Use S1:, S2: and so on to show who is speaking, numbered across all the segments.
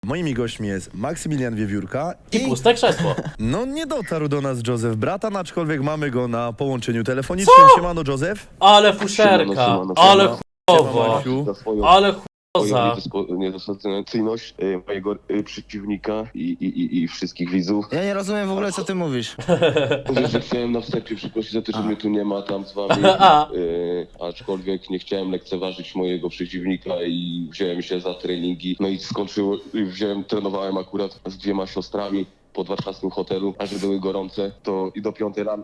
S1: Moimi gośćmi jest Maksymilian Wiewiórka
S2: I puste krzesło.
S1: no nie dotarł do nas Józef Bratan, aczkolwiek mamy go na połączeniu telefonicznym. Siemano Józef.
S2: Ale fuszerka,
S3: Siemano.
S2: ale chujowo,
S1: Maksiu.
S3: Za swoją
S2: ale chujoza.
S3: niedostateczność mojego przeciwnika i wszystkich widzów.
S4: Ja nie rozumiem w ogóle, co ty mówisz.
S3: Mówię, że chciałem na wstępie przeprosić za to, że mnie tu nie ma tam z wami, aczkolwiek nie chciałem lekceważyć mojego przeciwnika i wziąłem się za treningi. No i trenowałem akurat z 2 siostrami pod warszawskim hotelu, a że były gorące, to i do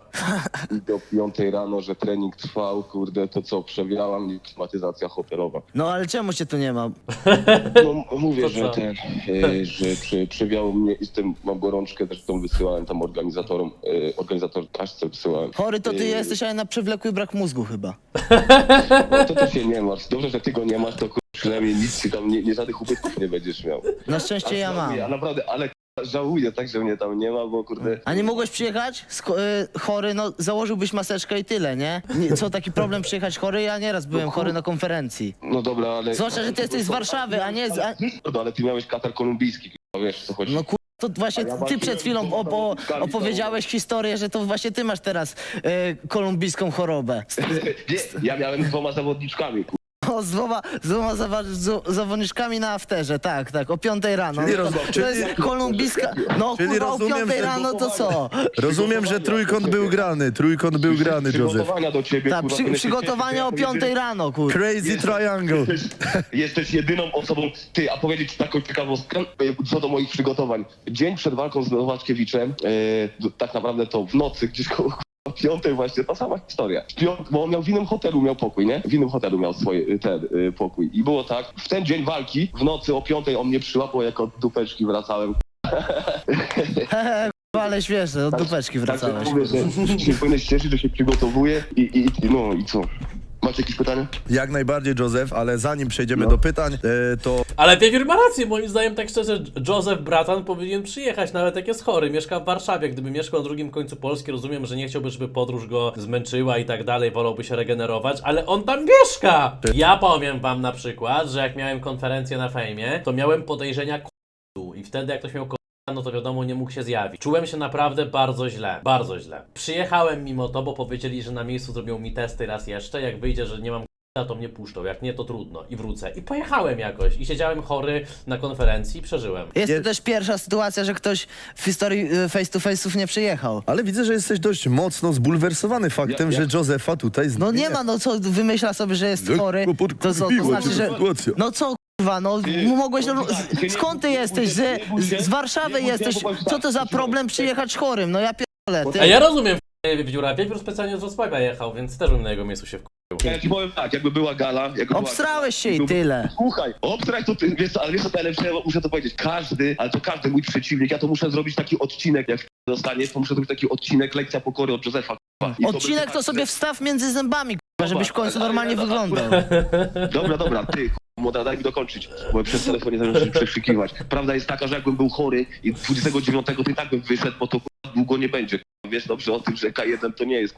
S3: 5 rano, że trening trwał, kurde, to co, przewiała mnie klimatyzacja hotelowa.
S4: No ale czemu cię tu nie ma?
S3: No, mówię,
S2: To
S3: że
S2: co?
S3: przewiało mnie i z tym mam gorączkę, zresztą wysyłałem tam organizatorce wysyłałem.
S4: Chory to ty jesteś, ale na przewlekły brak mózgu chyba.
S3: No to się nie martw. Dobrze, że ty go nie masz, to przynajmniej nic ci tam, nie żadnych ubytków nie będziesz miał.
S4: Na szczęście ja mam.
S3: Ja naprawdę, ale żałuję tak, że mnie tam nie ma, bo kurde...
S4: A nie mogłeś przyjechać? Chory, no założyłbyś maseczkę i tyle, nie? Co, taki problem przyjechać chory? Ja nieraz byłem chory na konferencji.
S3: No dobra, ale...
S4: Zwłaszcza, że ty jesteś z Warszawy, a nie z...
S3: Ale ty miałeś katar kolumbijski, wiesz co chodzi.
S4: No to właśnie ty przed chwilą opowiedziałeś historię, że to właśnie ty masz teraz kolumbijską chorobę.
S3: Nie, ja miałem z 2 zawodniczkami,
S4: O, z dwoma zawodniczkami na afterze, tak, o 5 rano.
S1: Czyli
S4: To jest kolumbijska... No
S1: czyli
S4: kurwa, o
S1: rozumiem,
S4: 5
S1: że
S4: rano to co?
S1: Rozumiem, że trójkąt był grany, Józef.
S3: Przygotowania do ciebie,
S4: Tak,
S3: kurwa,
S4: przygotowania o 5 rano, kurwa.
S1: Crazy Triangle.
S3: Jesteś jedyną osobą, ty, a powiedzieć taką ciekawostkę, co do moich przygotowań. Dzień przed walką z Nowaczkiewiczem, tak naprawdę to w nocy, gdzieś koło 5 właśnie, ta sama historia. Bo on miał w innym hotelu, miał pokój, nie? W innym hotelu miał pokój. I było tak, w ten dzień walki, w nocy o 5 on mnie przyłapał, jak od dupeczki wracałem.
S4: Ale śmieszne, od dupeczki wracałeś.
S3: Tak, mówię, że się powinieneś cieszyć, że się przygotowuje no i co? Macie jakieś pytania?
S1: Jak najbardziej Józef, ale zanim przejdziemy do pytań, to
S2: Ale Wiewiór ma rację, moim zdaniem tak szczerze, Józef Bratan powinien przyjechać, nawet jak jest chory, mieszka w Warszawie. Gdyby mieszkał na drugim końcu Polski, rozumiem, że nie chciałby, żeby podróż go zmęczyła i tak dalej, wolałby się regenerować, ale on tam mieszka! Ja powiem wam na przykład, że jak miałem konferencję na fejmie, to miałem podejrzenia i wtedy jak ktoś miał no to wiadomo, nie mógł się zjawić. Czułem się naprawdę bardzo źle, bardzo źle. Przyjechałem mimo to, bo powiedzieli, że na miejscu zrobią mi testy raz jeszcze, jak wyjdzie, że nie mam to mnie puszczą, jak nie to trudno i wrócę. I pojechałem jakoś i siedziałem chory na konferencji i przeżyłem.
S4: Jest to też pierwsza sytuacja, że ktoś w historii face to face'ów nie przyjechał.
S1: ale widzę, że jesteś dość mocno zbulwersowany faktem, że Józefa tutaj
S4: No nie ma, no co, wymyśla sobie, że jest chory, to co, to znaczy, że... No co, kurwa, no mogłeś, skąd ty jesteś, z Warszawy jesteś, co to za problem przyjechać chorym, no ja pierdolę, ty.
S2: A ja rozumiem Wiewióra, Wiewiór specjalnie z Wrocławia jechał, więc też bym na jego miejscu się wkurzył.
S3: Ja ci powiem tak, jakby była gala...
S4: Obstrałeś się i tyle.
S3: Słuchaj, obstraj to ty, wiesz co, ale wiesz co najlepsze, muszę to powiedzieć, każdy mój przeciwnik, ja to muszę zrobić taki odcinek, jak dostaniesz, to muszę zrobić taki odcinek, lekcja pokory od Józefa.
S4: Odcinek to sobie wstaw między zębami, kurwa, żebyś w końcu normalnie wyglądał.
S3: Dobra, ty, młoda, daj mi dokończyć, bo przez telefon nie zamierzam przekrzykiwać. Prawda jest taka, że jakbym był chory i 29 to i tak bym wyszedł, bo to długo nie będzie. Wiesz dobrze o tym, że K1 to nie jest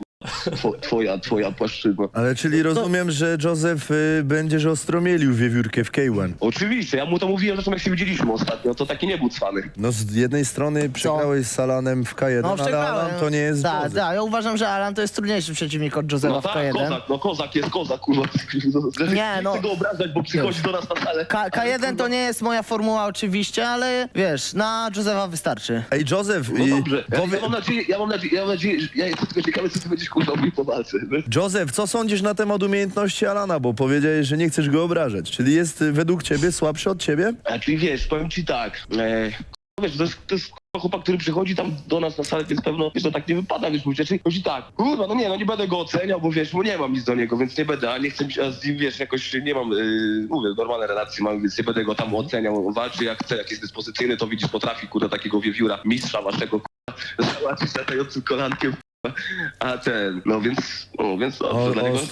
S3: twoja płaszczyzna.
S1: Ale czyli rozumiem, że Józef będziesz ostromielił Wiewiórkę w K1.
S3: Oczywiście, ja mu to mówiłem, zresztą jak się widzieliśmy ostatnio, to taki nie był cwany.
S1: No z jednej strony przegrałeś z Alanem w K1,
S4: No
S1: ale
S4: przegrałem.
S1: Alan to nie jest
S4: Tak,
S1: Józef.
S4: ja uważam, że Alan to jest trudniejszy przeciwnik od Józefa
S3: No
S4: w
S3: tak,
S4: K1.
S3: kozak jest kozak, kurwa.
S4: Nie, no.
S3: Chcę go obrażać, bo przychodzi do nas na salę.
S4: K1 to nie jest moja formuła oczywiście, ale wiesz, na Józefa wystarczy.
S1: Ej, Józef,
S3: No dobrze, ja mam nadzieję, że ja jestem tylko ciekawy, co ty będziesz kurwa mówił po walce.
S1: Józef, co sądzisz na temat umiejętności Alana? Bo powiedziałeś, że nie chcesz go obrażać. Czyli jest według ciebie słabszy od ciebie?
S3: A czyli wiesz, powiem ci tak, wiesz, to jest chłopak, który przychodzi tam do nas na salę, więc pewno, wiesz, to tak nie wypada, wiesz, mówić, czyli chodzi tak, kurwa, no nie będę go oceniał, bo wiesz, bo nie mam nic do niego, więc nie będę, a nie chcę z nim, wiesz, jakoś nie mam, mówię, normalne relacje mam, więc nie będę go tam oceniał, on walczy jak chce, jak jest dyspozycyjny, to widzisz, potrafi, kurwa, takiego wiewióra, mistrza waszego, kurwa, załatwić latającym kolankiem, a ten, no więc dobrze, dla niego.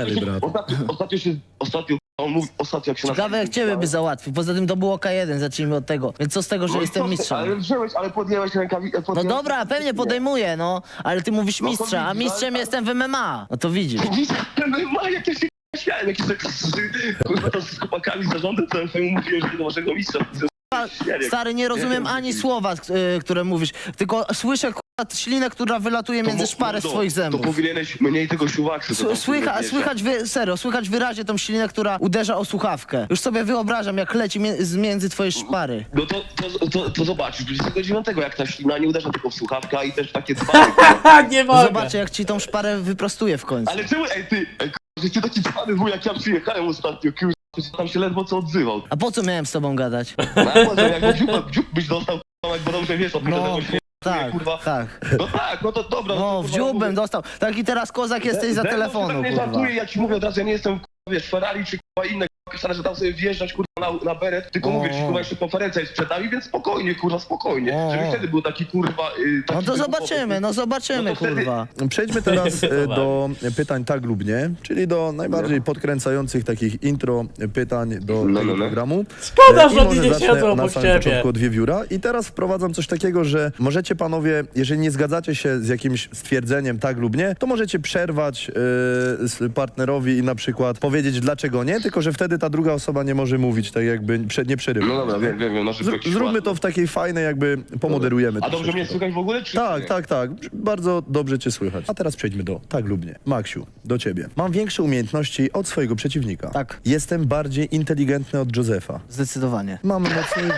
S3: Ostatnio jak się
S4: Ciekawe jak ciebie by załatwił, poza tym to było K1, zacznijmy od tego. Więc co z tego, że jestem mistrzem?
S3: Ale podjęłeś rękawi...
S4: No dobra, pewnie podejmuję, no, ale ty mówisz mistrza, a mistrzem jestem w MMA. No to widzisz.
S3: Jak ja się śmiałem, jakiś tak kurwa to z chłopakami z zarządem, to ja mówiłem, że do waszego mistrza.
S4: Stary, nie rozumiem ani słowa, które mówisz, tylko słyszę kurwa ślinę, która wylatuje między szparę swoich zębów.
S3: To powinieneś mniej tego siuwaksu.
S4: Słychać wyraźnie tą ślinę, która uderza o słuchawkę. Już sobie wyobrażam, jak leci między twoje szpary.
S3: No to zobaczysz, 29, jak ta ślina nie uderza tylko w słuchawkę i też takie dzbany.
S2: Nie mogę.
S4: Zobaczę, jak ci tą szparę wyprostuje w końcu.
S3: Ale czemu, że ty taki dzbany wuj, jak ja przyjechałem ostatnio, kurwa, tam się ledwo co odzywał.
S4: A po co miałem z tobą gadać?
S3: No, a może jak dziób byś dostał, kurwa, jak bo dobrze wiesz, od tego śmiechu,
S4: Tak,
S3: kurwa.
S4: tak.
S3: No tak, no to dobra.
S4: No, w dziób bym dostał. Tak i teraz kozak jesteś za telefonu,
S3: Nie
S4: kurwa.
S3: żartuję, ja ci mówię od razu, ja nie jestem, kurwa, wiesz, Ferrari czy kurwa inne, kurwa, że tam sobie wjeżdżać, kurwa, na beret, tylko mówię ci, kurwa, jeszcze konferencja jest przed nami, więc spokojnie, kurwa, spokojnie. Żeby wtedy był taki, kurwa...
S4: No to zobaczymy, no to wtedy... kurwa.
S1: Przejdźmy teraz do pytań tak lub nie, czyli do najbardziej podkręcających takich intro pytań do tego programu.
S2: Szkoda,
S1: I
S2: że oni
S1: może
S2: nie
S1: zacznę
S2: siedzą
S1: na
S2: obok
S1: samym
S2: ciebie.
S1: początku od wiewióra i teraz wprowadzam coś takiego, że możecie panowie, jeżeli nie zgadzacie się z jakimś stwierdzeniem tak lub nie, to możecie przerwać partnerowi i na przykład powiedzieć dlaczego nie, tylko że wtedy ta druga osoba nie może mówić, tak jakby nie przerywa.
S3: No dobra, wiem, no żeby jakiś
S1: Zróbmy
S3: ład.
S1: to w takiej fajnej, jakby pomoderujemy.
S3: A dobrze
S1: troszeczkę.
S3: mnie słychać w ogóle, czy...
S1: Tak. Bardzo dobrze cię słychać. A teraz przejdźmy do tak lub nie. Maksiu, do ciebie. Mam większe umiejętności od swojego przeciwnika.
S4: Tak.
S1: Jestem bardziej inteligentny od Józefa.
S4: Zdecydowanie.
S1: Mam mocniej...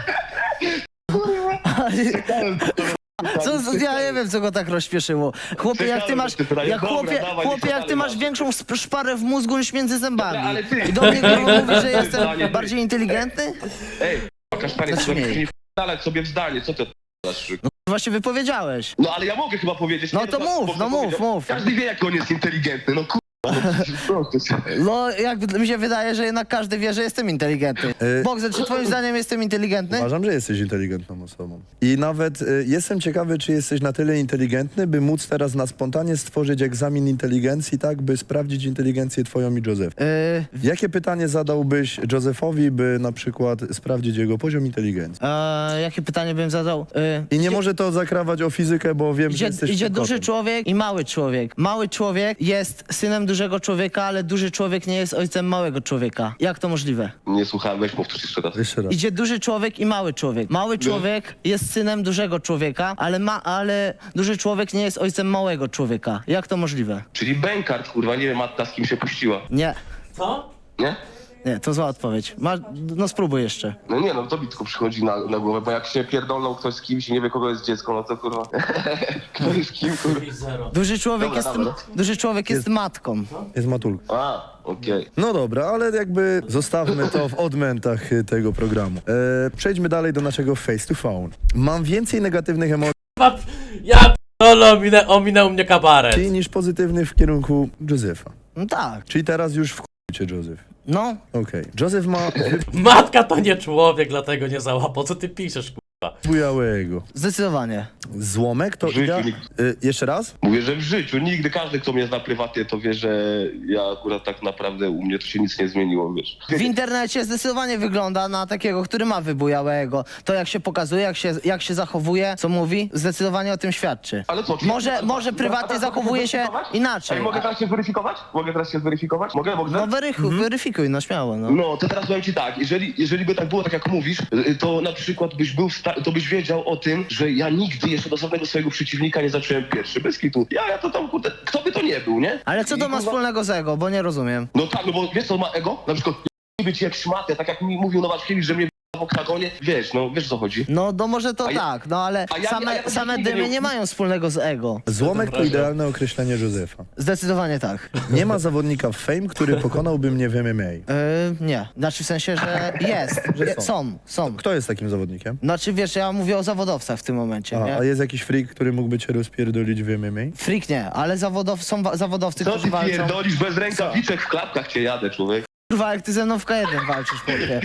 S4: Ja nie wiem, co go tak rozśpieszyło. Chłopie, jak ty masz, jak ty masz większą szparę w mózgu niż między zębami.
S3: Dobra, ale ty-
S4: I do mnie kurwa mówisz, że jestem
S3: Zdanie, ty.
S4: bardziej inteligentny?
S3: Ej, kasztanie,
S4: Znaczy nie.
S3: nie wdalać sobie w zdanie, co ty odpalasz?
S4: Właśnie wypowiedziałeś.
S3: No ale ja mogę chyba powiedzieć.
S4: No
S3: nie,
S4: to
S3: bo
S4: mów,
S3: kto
S4: no mów,
S3: powiedział?
S4: mów.
S3: Każdy wie, jak on jest inteligentny, no kurwa.
S4: No, jak mi się wydaje, że jednak każdy wie, że jestem inteligentny. Bogdan, czy twoim zdaniem jestem inteligentny?
S1: Uważam, że jesteś inteligentną osobą. I nawet jestem ciekawy, czy jesteś na tyle inteligentny, by móc teraz na spontanie stworzyć egzamin inteligencji, tak, by sprawdzić inteligencję twoją i Józefa. Jakie pytanie zadałbyś Józefowi, by na przykład sprawdzić jego poziom inteligencji?
S4: Jakie pytanie bym zadał?
S1: I nie może to zakrawać o fizykę, bo wiem, że jesteś
S4: Idzie
S1: kotem.
S4: duży człowiek i mały człowiek. Mały człowiek jest synem dużego człowieka, ale duży człowiek nie jest ojcem małego człowieka. Jak to możliwe?
S3: Nie słuchałem, weź powtórz jeszcze raz.
S1: Jeszcze raz.
S4: Idzie duży człowiek i mały człowiek. Mały człowiek jest synem dużego człowieka, ale duży człowiek nie jest ojcem małego człowieka. Jak to możliwe?
S3: Czyli Bękart, kurwa, nie wiem, Matta z kim się puściła,
S4: Nie,
S2: Co?
S3: nie?
S4: nie, to zła odpowiedź. No spróbuj jeszcze.
S3: No nie, no to mi tylko przychodzi na głowę, bo jak się pierdolnął ktoś z kimś i nie wie, kogo jest dziecko, no to kurwa, kto jest kim, kurwa.
S2: Zero.
S4: Duży człowiek jest matką.
S1: Jest matulka.
S3: A, okej.
S1: No dobra, ale jakby zostawmy to w odmętach tego programu. Przejdźmy dalej do naszego face to phone. Mam więcej negatywnych emocji
S2: Ja p***dolę, ominął mnie kabaret.
S1: niż pozytywnych w kierunku Józefa.
S4: No tak.
S1: Czyli teraz już cię Józef.
S4: No,
S1: Okej. Józef ma
S2: Matka to nie człowiek, dlatego nie załapał. Co ty piszesz, kurwa?
S1: wybujałego.
S4: zdecydowanie.
S1: Złomek to
S3: W życiu
S1: idea...
S3: nigdy.
S1: Jeszcze raz?
S3: Mówię, że w życiu nigdy, każdy, kto mnie zna prywatnie, to wie, że ja akurat tak naprawdę u mnie to się nic nie zmieniło, wiesz.
S4: W internecie zdecydowanie wygląda na takiego, który ma wybujałego. To jak się pokazuje, jak się zachowuje, co mówi, zdecydowanie o tym świadczy.
S3: Ale co?
S4: Może prywatnie zachowuje się inaczej.
S3: Ej, mogę teraz się zweryfikować? Mogę?
S4: No weryfikuj, no śmiało, no.
S3: No, to teraz powiem ci tak, jeżeli by tak było, tak jak mówisz, to na przykład byś był to byś wiedział o tym, że ja nigdy jeszcze do żadnego swojego przeciwnika nie zacząłem pierwszy, bez kitu. Ja to tam, kurde, kto by to nie był, nie?
S4: Ale co to ma wspólnego z ego, bo nie rozumiem.
S3: No tak, no bo wiesz co ma ego? Na przykład nie być jak szmatę, tak jak mi mówił Nowaczkiewicz, że mnie w oktagonie, wiesz o co chodzi.
S4: No może to
S3: A ja-
S4: tak, no ale
S3: a ja
S4: same
S3: nigdy
S4: dymy
S3: nie-
S4: nie mają wspólnego z ego.
S1: Złomek to idealne określenie Józefa.
S4: Zdecydowanie tak.
S1: Nie ma zawodnika w Fame, który pokonałby mnie w MMA.
S4: Nie, znaczy w sensie, że jest. Są.
S1: Kto jest takim zawodnikiem?
S4: Znaczy wiesz, ja mówię o zawodowcach w tym momencie, nie?
S1: A jest jakiś freak, który mógłby cię rozpierdolić w MMA?
S4: Freak nie, ale są zawodowcy,
S3: Co
S4: którzy
S3: ty
S4: walczą.
S3: pierdolisz, bez rękawiczek w klapkach cię jadę, człowiek.
S4: Kurwa, jak ty ze mną w K1 walczysz, chłopie.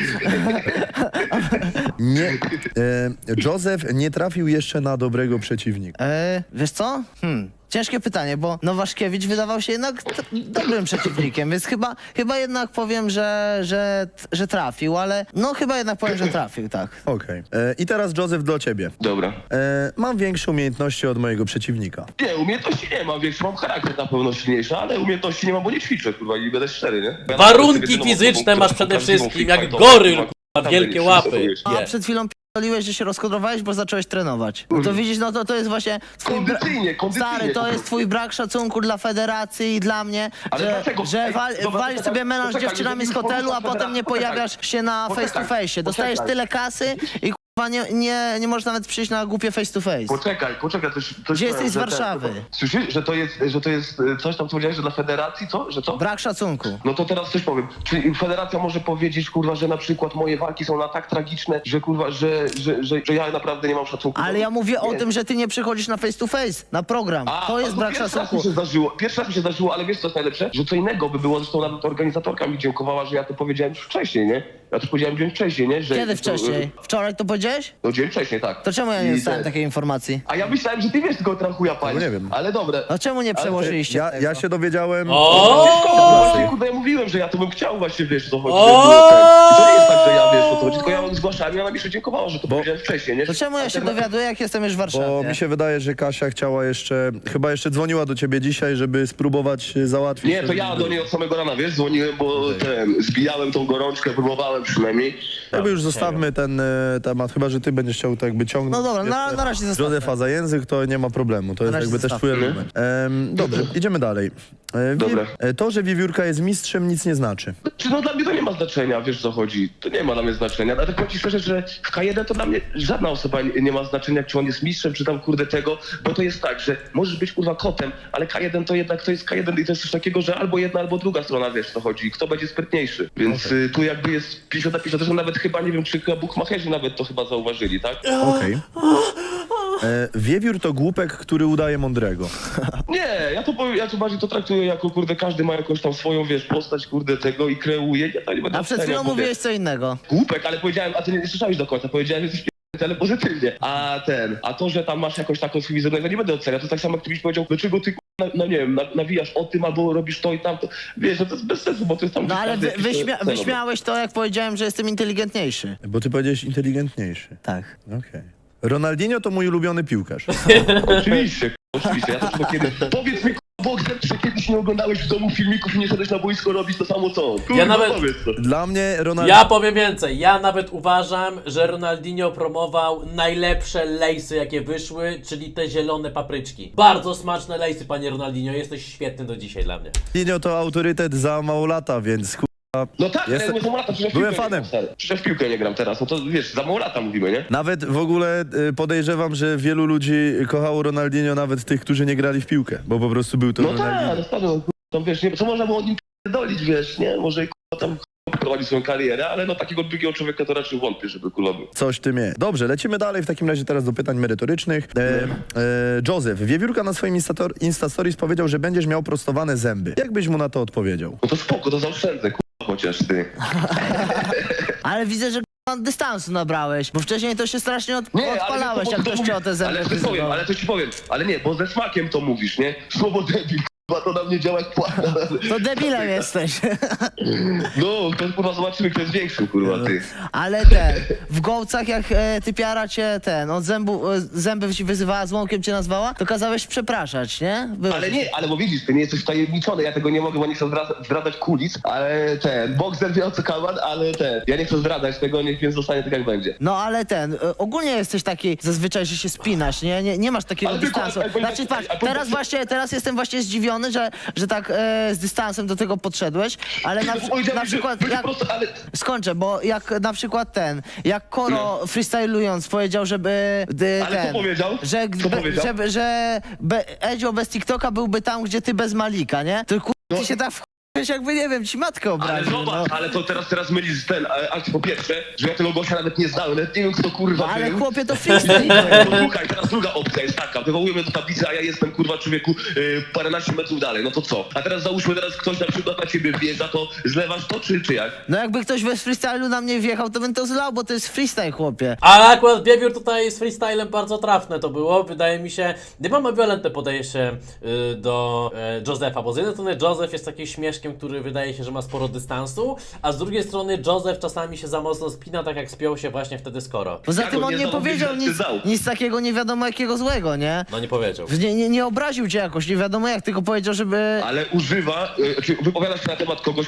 S1: Nie. Józef nie trafił jeszcze na dobrego przeciwnika.
S4: Wiesz co? Ciężkie pytanie, bo Nowaszkiewicz wydawał się jednak dobrym przeciwnikiem, więc chyba jednak powiem, że trafił, ale no chyba jednak powiem, że trafił, tak.
S1: Okej. I teraz Józef do ciebie.
S3: Dobra.
S1: Mam większe umiejętności od mojego przeciwnika.
S3: Nie, umiejętności nie mam, większy mam charakter na pewno silniejszy, ale umiejętności nie mam, bo nie ćwiczę, kurwa, i będę szczery, nie? Ja
S2: Warunki
S3: jedyną
S2: fizyczne
S3: osobą,
S2: masz
S3: która
S2: przede
S3: prawdziwą
S2: wszystkim,
S3: freak
S2: jak
S3: fightową,
S2: goryl,
S3: kurwa,
S2: kurwa, wielkie łapy.
S4: A przed chwilą że się rozkodrowałeś, bo zacząłeś trenować. No to widzisz, no to jest właśnie twój
S3: Kondycyjnie,
S4: stary, to jest twój brak szacunku dla federacji i dla mnie,
S3: Ale
S4: że,
S3: dlaczego?
S4: że
S3: Ej, dobra,
S4: walisz
S3: poczekaj,
S4: sobie melanż z
S3: poczekaj,
S4: dziewczynami z
S3: jeżeli
S4: hotelu, a
S3: poczekaj,
S4: potem nie
S3: poczekaj.
S4: pojawiasz się na face to
S3: Poczekaj,
S4: face. Dostajesz
S3: poczekaj.
S4: tyle kasy i kurwa nie możesz nawet przyjść na głupie face to face.
S3: Poczekaj, coś
S4: Gdzie
S3: powiem,
S4: jesteś z
S3: że
S4: Warszawy?
S3: Słyszysz, że to jest coś tam, co powiedziałeś, że dla federacji, co? Że co?
S4: Brak szacunku.
S3: No to teraz coś powiem. Czy federacja może powiedzieć, kurwa, że na przykład moje walki są na tak tragiczne, że kurwa, że ja naprawdę nie mam szacunku?
S4: Ale ja mówię o
S3: Nie.
S4: tym, że ty nie przychodzisz na face to face, na program. To jest brak szacunku.
S3: Pierwszy raz mi się zdarzyło, ale wiesz co jest najlepsze? Że co innego by było, zresztą nawet organizatorka mi dziękowała, że ja to powiedziałem już wcześniej, nie? Ja to powiedziałem dzień wcześniej, nie? Że
S4: Kiedy wcześniej? Wczoraj to powiedziałeś?
S3: No dzień wcześniej, tak.
S4: To czemu ja nie
S3: I
S4: dostałem
S3: ten-
S4: takiej informacji?
S3: A ja myślałem, że ty wiesz, tylko trachuja palisz.
S1: No nie wiem.
S3: Ale dobre.
S4: No czemu nie przełożyliście tego?
S1: Ja się dowiedziałem...
S3: Właśnie, kurde, ja mówiłem, że ja to bym chciał właśnie, wiesz, co chodzi. I to nie jest tak, że ja, wiesz, o co chodzi, tylko ja ją zgłaszałem i ona mi jeszcze dziękowała, że to powiedziałem wcześniej, nie?
S4: To czemu ja się dowiaduję, jak jestem już w Warszawie?
S1: Bo mi się wydaje, że Kasia chciała jeszcze, chyba jeszcze dzwoniła do ciebie dzisiaj, żeby spróbować załatwić...
S3: Nie, to ja do niej od samego rana, wiesz, dzwoniłem, bo zbijałem tą gorączkę, próbowałem przynajmniej.
S1: Jakby już zostawmy ten temat, chyba że ty będziesz chciał tak jakby ciągnąć.
S4: No dobra, na razie zostawmy.
S1: Józefa za język, to nie ma problemu, to jest
S4: razie
S1: jakby też twój
S4: zostawmy.
S1: argument. Dobrze, idziemy dalej.
S3: Dobra.
S1: To, że Wiewiórka jest mistrzem, nic nie znaczy.
S3: Czy no dla mnie to nie ma znaczenia, wiesz co chodzi, to nie ma dla mnie znaczenia. Ale tak powiem ci szczerze, że w K1 to dla mnie żadna osoba nie ma znaczenia, czy on jest mistrzem, czy tam kurde tego, bo to jest tak, że możesz być kurwa kotem, ale K1 to jednak to jest K1 i to jest coś takiego, że albo jedna, albo druga strona, wiesz co chodzi, kto będzie sprytniejszy. Więc tu jakby jest 50 na 50, zresztą nawet chyba, nie wiem, czy bukmacherzy nawet to chyba zauważyli, tak?
S1: Okej. Wiewiór to głupek, który udaje mądrego.
S3: Nie, ja to bardziej to traktuję jako, kurde, każdy ma jakąś tam swoją, wiesz, postać, kurde, tego i kreuje. Ja to nie będę
S4: A przed
S3: oceniał,
S4: chwilą
S3: bo
S4: mówiłeś co innego.
S3: głupek, ale powiedziałem, a ty nie słyszałeś do końca, powiedziałem, że jesteś ale pozytywnie. A to, że tam masz jakąś taką swój wizerunek, ja nie będę oceniał. To tak samo, jak ty byś powiedział, dlaczego ty, no nie wiem, nawijasz o tym, albo robisz to i tamto. Wiesz, że to jest bez sensu, bo to jest tam...
S4: No ale
S3: każdy jakiś celowy.
S4: wyśmiałeś to, jak powiedziałem, że jestem inteligentniejszy.
S1: Bo ty powiedziałeś inteligentniejszy.
S4: Tak.
S1: Okej. Ronaldinho to mój ulubiony piłkarz.
S3: Oczywiście, ja to tylko kiedy... Powiedz mi, Bogdan, czy kiedyś nie oglądałeś w domu filmików i nie szedłeś na boisko robić to samo co on? Kurwa,
S2: nawet-
S3: powiedz to.
S1: Dla mnie Ronaldinho...
S2: Ja powiem więcej, ja nawet uważam, że Ronaldinho promował najlepsze lejsy jakie wyszły, czyli te zielone papryczki. Bardzo smaczne lejsy, panie Ronaldinho, jesteś świetny do dzisiaj dla mnie.
S1: Ronaldinho to autorytet za mało lata, więc
S3: No tak,
S1: Jestem-
S3: ale za mało lata, przecież
S1: Byłem
S3: w piłkę
S1: fanem.
S3: nie gram, stary. Przecież w piłkę nie gram teraz, no to wiesz, za mało lata mówimy, nie?
S1: nawet w ogóle podejrzewam, że wielu ludzi kochało Ronaldinho, nawet tych, którzy nie grali w piłkę, bo po prostu był to
S3: No
S1: Ronaldinho.
S3: tak, no stary, no, tam wiesz, nie, co można było o nim dolić, wiesz, nie? Może tam prowadził swoją karierę, ale no takiego drugiego człowieka to raczej wątpię, żeby był.
S1: Coś w tym jest. Dobrze, lecimy dalej w takim razie teraz do pytań merytorycznych. Józef, Wiewiórka na swoim Instastories powiedział, że będziesz miał prostowane zęby. Jak byś mu na to odpowiedział?
S3: No to spoko, to zaoszczędzę, chociaż ty.
S4: Ale widzę, że dystansu nabrałeś, bo wcześniej to się strasznie
S3: Nie,
S4: odpalałeś,
S3: ale
S4: jak ktoś cię o te zęby
S3: ale coś powiem,
S4: wyzywał.
S3: ale coś ci powiem. Ale nie, bo ze smakiem to mówisz, nie? Słowo debil, kurwa, to na mnie działa jak płata.
S4: To debilem jesteś.
S3: No, to kurwa zobaczymy, kto jest większy, kurwa, ty.
S4: Ale w Gołcach, jak typiara cię od zęby ci wyzywała, złomkiem cię nazwała, to kazałeś przepraszać, nie?
S3: Ale nie, ale bo widzisz, ty nie jesteś wtajemniczony, ja tego nie mogę, bo nie chcę zdradzać kulis, ale Boxer wie o co kaman, ale ja nie chcę zdradzać tego, więc zostanie tak jak będzie.
S4: No ale ogólnie jesteś taki zazwyczaj, że się spinasz, nie masz takiego
S3: Ale tylko-
S4: dystansu.
S3: ale-
S4: Znaczy patrz, teraz jestem właśnie zdziwiony, że tak z dystansem do tego podszedłesz, ale na przykład jak... Skończę, bo jak na przykład jak Koro freestylując powiedział, żeby
S3: Ale co powiedział?
S4: że,
S3: Co powiedział?
S4: Edzio bez TikToka byłby tam, gdzie ty bez Malika, nie? To ty się tak wkurzyłeś, jakby, nie wiem, ci matkę
S3: Ale
S4: obraził.
S3: zobacz, ale to teraz mylisz akcję po pierwsze, że ja tego gościa nawet nie znałem, nawet nie wiem kto kurwa
S4: Ale
S3: był.
S4: chłopie, to freestyle.
S3: Słuchaj, teraz druga opcja jest taka, wywołujemy do tablicy, a ja jestem kurwa człowieku paręnaście metrów dalej, no to co? A teraz załóżmy, ktoś na przykład na ciebie wjeżdża, to zlewasz to czy jak?
S4: No jakby ktoś bez freestylu na mnie wjechał, to bym to zlał, bo to jest freestyle, chłopie.
S2: Ale akurat Wiewiór tutaj z freestylem bardzo trafne to było. Wydaje mi się, nie mam ambiwalentne podejście do Józefa, bo z jednej strony Józef jest takim śmieszkiem, który wydaje się, że ma sporo dystansu, a z drugiej strony Józef czasami się za mocno spina, tak jak spiął się właśnie wtedy z Koro.
S4: Poza
S3: Ja
S4: tym
S3: go
S4: on
S3: nie
S4: nie powiedział
S3: zamówiłem, ty dał.
S4: nic takiego nie wiadomo jakiego złego, nie?
S2: No nie powiedział.
S4: Nie obraził cię jakoś, nie wiadomo jak, tylko powiedział, żeby...
S3: Ale używa, wypowiada się na temat kogoś, kogo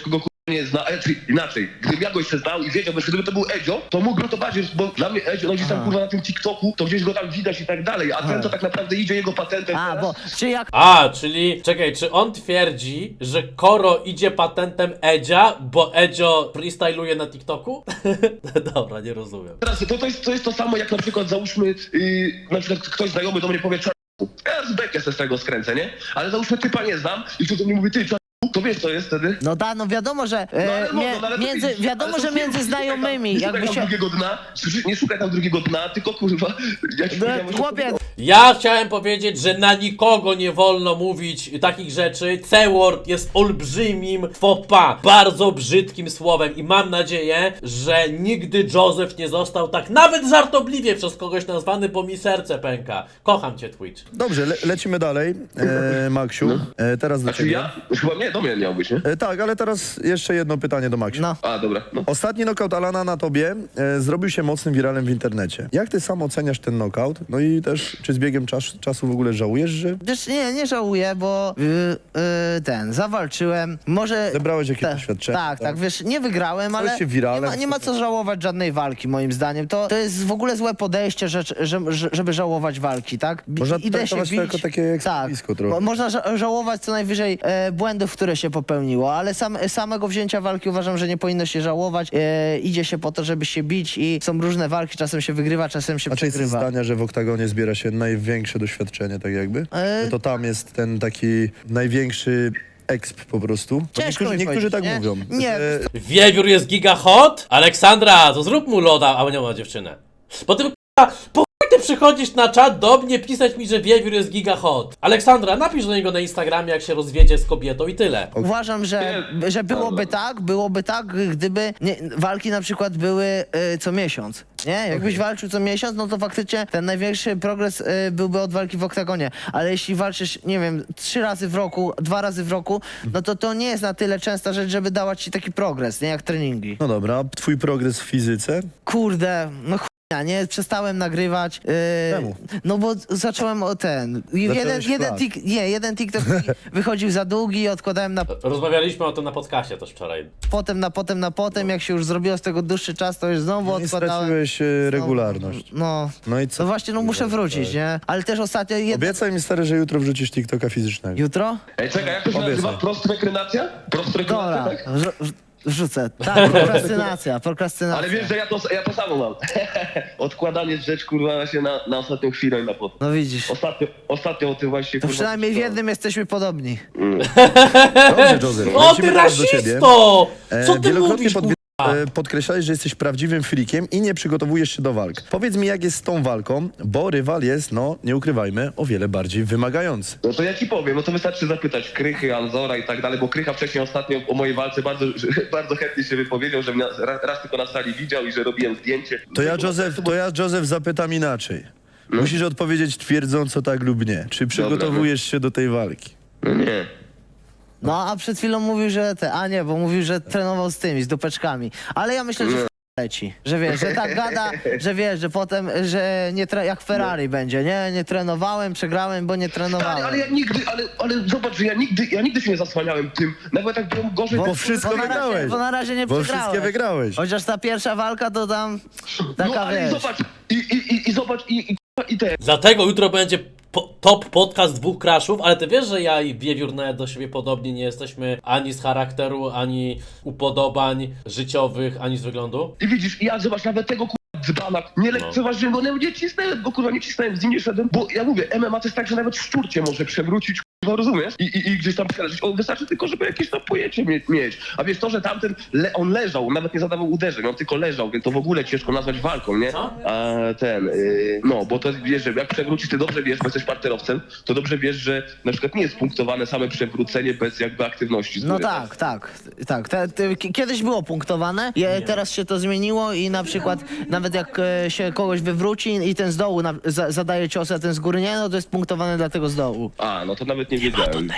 S3: nie zna, czyli inaczej, gdybym ja go jeszcze znał i wiedział, że gdyby to był Edzio, to mógłbym to bardziej, bo dla mnie Edzio, no gdzieś tam kurwa na tym TikToku, to gdzieś go tam widać i tak dalej, a ten to tak naprawdę idzie jego patentem
S4: A,
S3: teraz.
S4: bo czy jak
S2: Czyli, czekaj, czy on twierdzi, że Koro idzie patentem Edzia, bo Edzio freestyluje na TikToku? Dobra, nie rozumiem.
S3: Teraz to jest to samo, jak na przykład załóżmy, na przykład ktoś znajomy do mnie powie, ja z bekę se z tego skręcę, nie? Ale załóżmy typa nie znam i ktoś do mnie mówi, ty, to wiesz co jest wtedy?
S4: no da, no wiadomo, że wiadomo, że między znajomymi,
S3: nie
S4: jakby
S3: szukaj tam
S4: się...
S3: drugiego dna, nie szukaj tam drugiego dna, tylko kurwa, ja ci powiedziałem, że-
S4: Chłopie,
S2: Ja chciałem powiedzieć, że na nikogo nie wolno mówić takich rzeczy. C-word jest olbrzymim faux pas, bardzo brzydkim słowem i mam nadzieję, że nigdy Joseph nie został tak nawet żartobliwie przez kogoś nazwany, bo mi serce pęka. Kocham cię, Twitch.
S1: Dobrze, lecimy dalej. Maksiu, teraz do
S3: Znaczy
S1: ciebie.
S3: ja? Chyba nie, do mnie miał być, nie?
S1: Tak, ale teraz jeszcze jedno pytanie do Maksiu.
S4: no.
S3: A, dobra, no.
S1: Ostatni knockout Alana na tobie zrobił się mocnym wiralem w internecie. Jak ty sam oceniasz ten knockout? No i też, czy z biegiem czasu w ogóle żałujesz, że
S4: Wiesz, nie żałuję, bo zawalczyłem, może...
S1: zebrałeś jakieś doświadczenie?
S4: Tak, wiesz, nie wygrałem,
S1: Stałeś
S4: ale
S1: się wiralem,
S4: nie ma co żałować żadnej walki, moim zdaniem. To jest w ogóle złe podejście, żeby żałować walki, tak?
S1: Można traktować to jako takie ekspowisko trochę.
S4: Można żałować co najwyżej błędów, które się popełniło, ale samego wzięcia walki uważam, że nie powinno się żałować. Idzie się po to, żeby się bić i są różne walki, czasem się wygrywa, czasem się
S1: A czy jesteś
S4: przegrywa.
S1: zdania, że w oktagonie zbiera się największe doświadczenie, tak jakby? Że to tam jest ten taki największy exp po prostu? Bo
S4: Ciężko mi
S1: niektórzy tak
S4: powiedzieć,
S1: mówią.
S4: nie?
S1: że-
S2: Wiewiór jest giga hot? Aleksandra, to zrób mu loda, a nie ma dziewczynę. Po tym k***a, po chuj ty przychodzisz na czat do mnie pisać mi, że Wiewiór jest giga hot. Aleksandra, napisz do niego na Instagramie, jak się rozwiedzie z kobietą i tyle.
S4: Uważam, że byłoby tak, gdyby walki na przykład były co miesiąc. Nie? Jakbyś walczył co miesiąc, no to faktycznie ten największy progres byłby od walki w oktagonie. Ale jeśli walczysz, nie wiem, 3 razy w roku, 2 razy w roku, no to nie jest na tyle częsta rzecz, żeby dawać ci taki progres, nie jak treningi.
S1: No dobra, a twój progres w fizyce?
S4: Kurde, no ja nie przestałem nagrywać.
S1: Czemu?
S4: No bo zacząłem o ten. Jeden TikTok mi wychodził za długi i odkładałem na
S2: Rozmawialiśmy o tym na podcastie też wczoraj.
S4: potem, jak się już zrobiło z tego dłuższy czas, to już znowu
S1: Nie
S4: odkładałem.
S1: straciłeś regularność.
S4: No.
S1: No i co?
S4: No właśnie, no muszę wrócić, nie? Ale też ostatnio
S1: Obiecaj mi, stary, że jutro wrzucisz TikToka fizycznego.
S4: Jutro?
S3: Ej, czekaj, jak to się
S1: Obiecaj.
S3: nazywa? Prostrekrenacja? Prostrekrenacja,
S4: Dobra,
S3: tak?
S4: wrzucę. Tak, prokrastynacja.
S3: Ale wiesz, że ja to samo mam. Odkładanie rzecz, kurwa, się na ostatnią chwilę i na potem.
S4: No widzisz.
S3: Ostatnio o tym właśnie,
S4: To
S3: kurwa,
S4: przynajmniej w
S3: czytałem.
S4: jednym jesteśmy podobni.
S1: Dobrze, Joseph.
S2: O
S1: lecimy
S2: ty
S1: teraz do ciebie.
S2: rasisto! Co ty
S1: Wielokrotnie
S2: mówisz, kurwa?
S1: podkreślałeś, że jesteś prawdziwym frikiem i nie przygotowujesz się do walk. Powiedz mi, jak jest z tą walką, bo rywal jest, no, nie ukrywajmy, o wiele bardziej wymagający.
S3: No to ja ci powiem, no to wystarczy zapytać Krychy, Anzora i tak dalej, bo Krycha wcześniej ostatnio o mojej walce bardzo chętnie się wypowiedział, że mnie raz tylko na sali widział i że robiłem zdjęcie.
S1: To ja, Joseph, zapytam inaczej.
S3: No.
S1: Musisz odpowiedzieć twierdząco tak lub nie. Czy przygotowujesz się do tej walki?
S3: No nie.
S4: No a przed chwilą mówił, że bo mówił, że trenował z tymi, z dupeczkami. Ale ja myślę, że leci. Że wiesz, że tak gada, że wiesz, że potem, że jak Ferrari będzie, nie? Nie trenowałem, przegrałem, bo nie trenowałem.
S3: Ale ja nigdy, ale zobacz, że ja nigdy się nie zasłaniałem tym. Nawet jak byłem gorzej...
S1: Bo wszystko wygrałeś.
S4: Bo na razie nie
S1: Bo
S4: przegrałeś.
S1: wszystkie wygrałeś.
S4: Chociaż ta pierwsza walka to tam taka,
S3: no ale
S4: wiesz.
S3: zobacz, i zobacz, i te...
S2: Dlatego jutro będzie top podcast 2 crashów, ale ty wiesz, że ja i Wiewiór nawet do siebie podobni nie jesteśmy ani z charakteru, ani upodobań życiowych, ani z wyglądu?
S3: I widzisz, ja zobacz, nawet tego dzbana, nie lekceważyłem go, nie cisnąłem go, kurwa, nie cisnąłem, z nim nie szedłem, bo ja mówię, MMA to jest tak, że nawet szczurcie może przewrócić, kurwa, rozumiesz? I gdzieś tam przeleżeć. On wystarczy tylko, żeby jakieś tam pojęcie mieć. A wiesz, to, że tamten, on leżał, nawet nie zadawał uderzeń, on tylko leżał, więc to w ogóle ciężko nazwać walką, nie?
S2: Co?
S3: A no, bo to wiesz, że jak przewrócisz, ty dobrze wiesz, bo jesteś parterowcem, to dobrze wiesz, że na przykład nie jest punktowane same przewrócenie bez jakby aktywności.
S4: No tak. Kiedyś było punktowane, teraz się to zmieniło i na przykład nawet jak się kogoś wywróci i ten z dołu zadaje cios, a ten z góry nie, no to jest punktowane dla tego z dołu.
S3: A, no to nawet nie wiedziałem.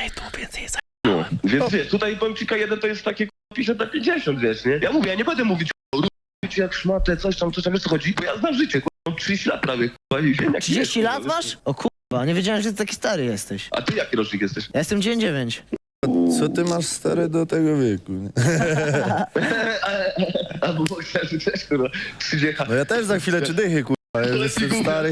S3: No, więc wiesz, tutaj powiem ci K1 to jest takie 50 na 50, wiesz, nie? Ja mówię, ja nie będę mówić o jak szmatę, coś tam, wiesz co chodzi, bo ja znam życie, mam 30 lat prawie, kurwa, i wiem jak
S4: 30
S3: jest,
S4: lat masz? O kurwa, nie wiedziałem, że ty taki stary jesteś.
S3: A ty jaki rocznik jesteś?
S4: Ja jestem 99.
S1: Co ty masz stary do tego wieku? Nie?
S3: Albo bokserzy też, kurwa, 30.
S1: No ja też za chwilę czy dychy, kurwa, ja jestem stary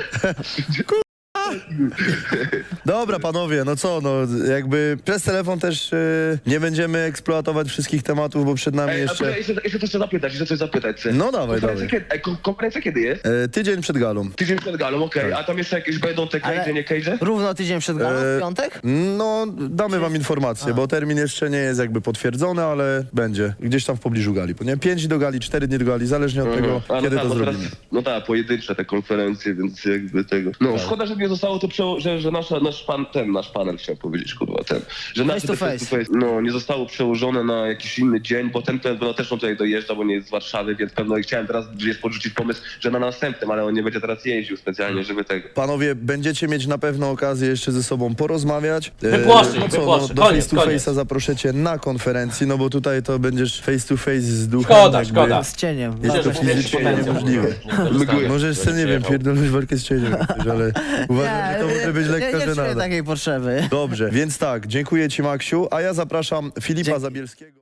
S1: Dobra, panowie, no co, no jakby przez telefon też nie będziemy eksploatować wszystkich tematów, bo przed nami jeszcze...
S3: Jeszcze coś zapytać, chcę.
S1: No dawaj, dawaj.
S3: Konferencja kiedy jest?
S1: Tydzień przed galą.
S3: Tydzień przed galą, okej. A tam jeszcze jakieś będą te
S4: Ale-
S3: cage'e, nie cage'e?
S4: Równo tydzień przed galą, w piątek?
S1: No, damy wam informację, bo termin jeszcze nie jest jakby potwierdzony, ale będzie gdzieś tam w pobliżu gali. Nie? 5 do gali, 4 dni do gali, zależnie od tego,
S3: A,
S1: kiedy
S3: no
S1: to
S3: tak, bo
S1: zrobimy.
S3: teraz, no tak, pojedyncze te konferencje, więc jakby tego. No, szkoda, że nie zostało to, że nasz panel chciał powiedzieć, kurwa, że nasze
S4: to
S3: te
S4: face.
S3: no, nie zostało przełożone na jakiś inny dzień, bo ten pewno też on tutaj dojeżdża, bo nie jest z Warszawy, więc pewno chciałem teraz gdzieś podrzucić pomysł, że na następnym, ale on nie będzie teraz jeździł specjalnie, żeby tego.
S1: Panowie, będziecie mieć na pewno okazję jeszcze ze sobą porozmawiać.
S2: Wypłaszczyć,
S1: no co,
S2: wypłaszczyć.
S1: do
S2: Koniec,
S1: face to
S2: koniec.
S1: face'a zaproszę na konferencji, no bo tutaj to będziesz face to face z duchem.
S2: Szkoda,
S1: jakby.
S2: szkoda.
S4: Z cieniem.
S1: Jest
S2: Myślę,
S1: to
S2: że powiększyć
S1: fizycznie
S2: potencjał.
S1: niemożliwe.
S3: Mgły.
S1: Możesz sobie, nie wiem, pierdolnąć walkę z cieniem, ale uważam, że to może być lekka
S4: nie czuję
S1: żenada.
S4: takiej potrzeby.
S1: Dobrze, więc tak, dziękuję ci Maksiu, a ja zapraszam Filipa
S4: Dzięki.
S1: Zabielskiego.